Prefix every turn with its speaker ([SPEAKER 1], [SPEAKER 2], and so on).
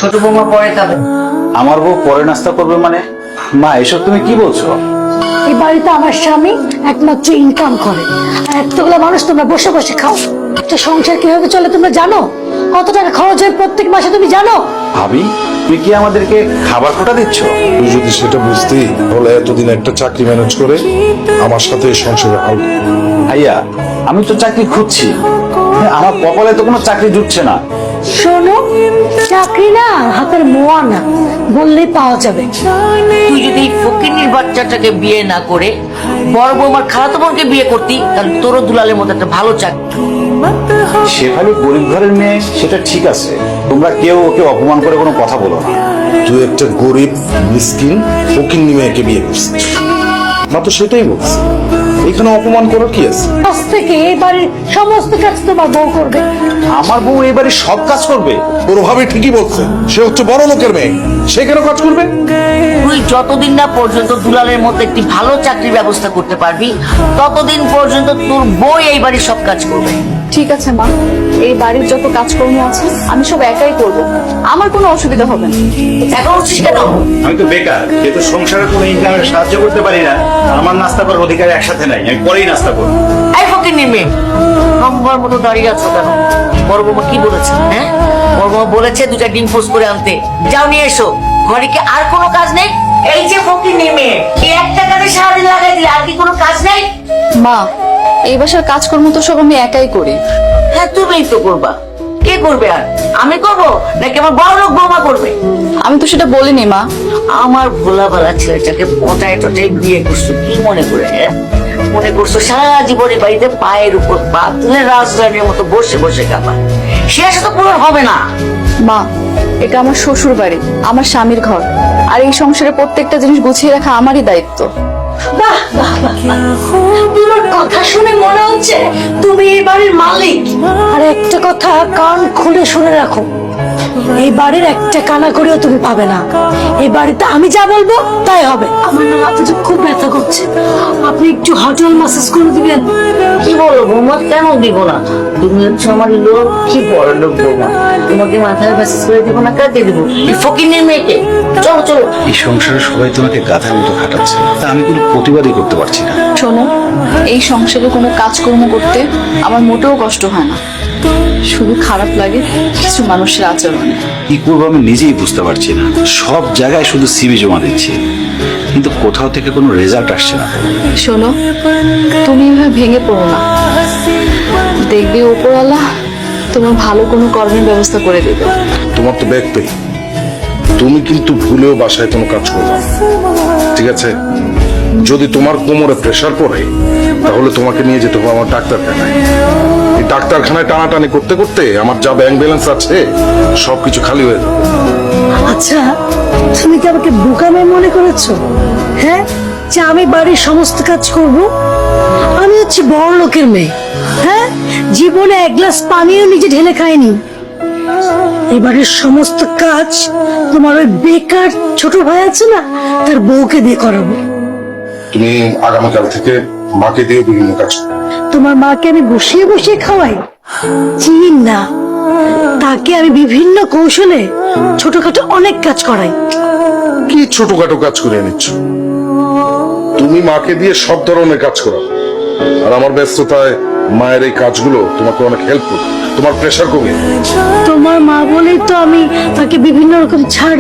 [SPEAKER 1] ছোট বৌমা পরে খাবে।
[SPEAKER 2] আমার বউ পরে নাস্তা করবে মানে? মা এসব তুমি কি বলছো?
[SPEAKER 3] এই বাড়িতে আমার স্বামী একমাত্র ইনকাম করে, আর এতগুলো মানুষ তোমরা বসে বসে খাও। একটা সংসার কিভাবে চলে তোমরা জানো? কত টাকা খরচ হয় প্রত্যেক মাসে তুমি জানো?
[SPEAKER 2] ভাবি, তুমি কি আমাদেরকে খাবার খোটা দিচ্ছ?
[SPEAKER 4] তুই যদি সেটা বুঝতি তাহলে এতদিন একটা চাকরি ম্যানেজ করে আমার সাথে এই সংসারে হাল করতি।
[SPEAKER 2] ভাইয়া, আমি তো চাকরি খুঁজছি, আমার কপালে তো কোনো চাকরি জুটছে না।
[SPEAKER 3] শোনো, চাকরি না হাতের মোয়া না, বললেই পাওয়া যাবে।
[SPEAKER 1] তুই যদি ফকিন্নির বাচ্চাটাকে বিয়ে না করে বড় বৌমার খালাতো বোনকে বিয়ে করতি, তাহলে তোরও দুলালের মতো একটা ভালো চাকরি।
[SPEAKER 2] শেফালি গরিব ঘরের মেয়ে, সেটা ঠিক আছে, তোমরা কেউ ওকে অপমান করে কোনো কথা বলো না।
[SPEAKER 4] তুই একটা গরিব মিসকিন ফকিন্নি মেয়েকে বিয়ে করছিস, মা তো সেটাই বলছি। এখানে অপমান করার কি আছে?
[SPEAKER 3] আজ থেকে এই বাড়ির সমস্ত কাজ তোমার বউ করবে।
[SPEAKER 2] আমার বউ এবারে সব কাজ করবে?
[SPEAKER 4] তোর ভাবে ঠিকই বলছে, সে হচ্ছে বড় লোকের মেয়ে, সে কেন কাজ করবে?
[SPEAKER 1] তুই যতদিন না পর্যন্ত দুলালের মতো একটি ভালো চাকরির ব্যবস্থা করতে পারবি, ততদিন পর্যন্ত তোর বউ এই বাড়ির সব কাজ করবে।
[SPEAKER 5] ঠিক আছে মা, এই বাড়ির যত কাজকর্ম আছে আমি সব একাই করব, আমার কোনো অসুবিধা হবে না।
[SPEAKER 1] এখন উঠছিস কেন?
[SPEAKER 2] আমি তো বেকার, যেহেতু সংসারে কোনো ইনকামের সাহায্য করতে পারি না, আমার নাস্তা করার অধিকার একসাথে নাই, আমি পরেই নাস্তা করবো।
[SPEAKER 1] এই ফকিন্নির মেয়ে, নম্বর মতো দাঁড়িয়ে আছো কেন? বড় বৌমা কি বলেছে? হ্যাঁ, বড় বৌমা বলেছে দুটা ডিম পোস্ট করে আনতে, যাও নিয়ে এসো। ঘরে কি আর কোনো কাজ নেই? এই যে ফকিন্নির মেয়ে, এই একটা কাজে সারাদিন লাগাই দিলে আর কি কোনো কাজ নেই?
[SPEAKER 5] মা, এই বাসার কাজকর্ম তো সব আমি একাই করি।
[SPEAKER 1] হ্যাঁ, তুমিই তো করবা। কে করবে আর? আমি করবো নাকি আমার বড় লোক বৌমা করবে?
[SPEAKER 5] আমি তো সেটা বলিনি মা।
[SPEAKER 1] আমার ভোলাবেলা ছেলেটাকে পটায় টটায় বিয়ে করছো কি মনে করে? হ্যাঁ? মনে করছো সারা জীবনে বাড়িতে পায়ের উপর পা তুলে রাজধানীর মতো বসে বসে খাবা? শেষ তো পূরণ হবে না।
[SPEAKER 5] মা, এটা আমার শ্বশুর বাড়ি, আমার স্বামীর ঘর, আর এই সংসারে প্রত্যেকটা জিনিস গুছিয়ে রাখা আমারই দায়িত্ব।
[SPEAKER 3] বাহ বাহ বাহ বাহ। তোমার কথা শুনে মনে হচ্ছে তুমি এই বাড়ির মালিক। আর একটা কথা কান খুলে শুনে রাখো, এই বাড়ির একটা কানা করেও তুমি পাবে না। এই বাড়িতে আমি যা বলবো তাই হবে। আমার না মাথা যে খুব ব্যথা করছে, আপনি একটু হোটেল ম্যাসাজ করে দিবেন?
[SPEAKER 1] কি বলো বৌমা, কেন দিব না? তুমি হচ্ছে আমার লোক, কি বড় লোক বৌমা, তোমাকে মাথায় মেসেজ করে দিব না? কাকে দিব? এই ফকিন্নির মেয়েকে? চলো চলো।
[SPEAKER 2] এই সংসারে সবাই তোমাকে গাধার মতো খাটাচ্ছে, তা আমি কোনো প্রতিবাদই করতে পারছি না।
[SPEAKER 5] শোনো, এই সংসারে কোনো কাজকর্ম করতে আমার মোটেও কষ্ট হয় না, শুধু খারাপ লাগে কিছু মানুষের আচরণে।
[SPEAKER 2] কি করবো আমি নিজেই বুঝতে পারছি না। সব জায়গায় শুধু সিভি জমা দিচ্ছি, কিন্তু কোথাও থেকে কোনো রেজাল্ট আসছে না।
[SPEAKER 5] শোনো, তুমি এভাবে ভেঙে পড়ো না, দেখবে উপরওয়ালা তোমার ভালো কোনো কর্মের ব্যবস্থা করে দেবে।
[SPEAKER 4] তোমার তো ব্যাগ পেয়ে তুমি কিন্তু ভুলেও বাসায় কোনো কাজ করবে না, ঠিক আছে? যদি তোমার কোমরে প্রেসার পড়ে তাহলে তোমাকে নিয়ে যেতে হবে আমার ডাক্তারখানায়। এই ডাক্তারখানায় টানাটানি করতে করতে আমার যা ব্যাংক ব্যালেন্স আছে সবকিছু খালি হয়ে যাবে।
[SPEAKER 3] আচ্ছা, তুমি কি আমাকে বোকা মেয়ে মনে করেছো? হ্যাঁ, যে আমি বাড়ির সমস্ত কাজ করব? আমি হচ্ছে বড় লোকের মেয়ে। হ্যাঁ, জীবনে এক গ্লাস পানিও নিজে ঢেলে খাইনি। এবারের সমস্ত কাজ তোমার ওই বেকার ছোট ভাই আছে না, তার বউকে দিয়ে করাবো।
[SPEAKER 4] তুমি আগামীকাল থেকে মাকে দিয়ে বিভিন্ন কাজ করো।
[SPEAKER 3] তোমার মাকে আমি বসিয়ে বসিয়ে খাওয়াই? চিন না, তাকে আমি বিভিন্ন কৌশলে ছোটখাটো অনেক কাজ করাই।
[SPEAKER 4] কি ছোটখাটো কাজ করে নিচ্ছ? তুমি মাকে দিয়ে সব ধরনের কাজ করো, আর আমার ব্যস্ততায় মায়ের এই কাজগুলো তোমাকে অনেক হেল্প করবে, তোমার প্রেশার কমিয়ে।
[SPEAKER 3] তোমার মা বলেই তো আমি তাকে বিভিন্ন রকম ছাড়